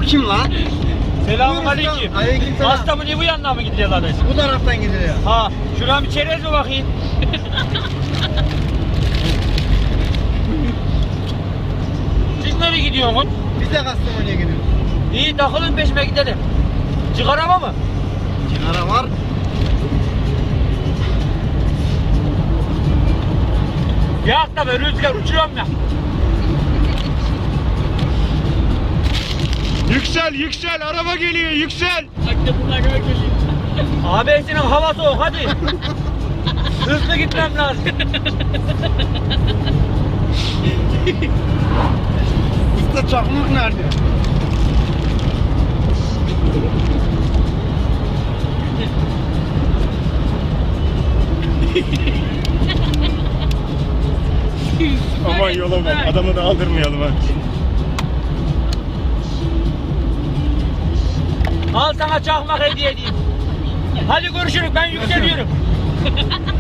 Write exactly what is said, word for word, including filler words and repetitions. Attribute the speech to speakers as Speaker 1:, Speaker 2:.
Speaker 1: Bu kim lan?
Speaker 2: Selamun aleyküm.
Speaker 1: Aleykümselam.
Speaker 2: Hasta mı niye bu yandan mı gidiyor kardeş?
Speaker 1: Bu taraftan gidiliyor.
Speaker 2: Ha, şuradan bir çerez mi bakayım? Siz nereye gidiyorsunuz?
Speaker 1: Biz de Kastamonu'ya gidiyoruz.
Speaker 2: İyi takılın peşime gidelim. Çıkarama mı?
Speaker 1: Kenara var.
Speaker 2: Ya da ben rüzgar uçuyorum ya.
Speaker 3: Yüksel yüksel araba geliyor yüksel.
Speaker 2: Abisinin hava soğuk hadi. Hızlı gitmem lazım.
Speaker 1: Usta çakmak nerede?
Speaker 3: Aman yola bak adamı da aldırmayalım ha.
Speaker 2: Al sana çakmak hediye edeyim. Hadi görüşürüz ben yükseliyorum.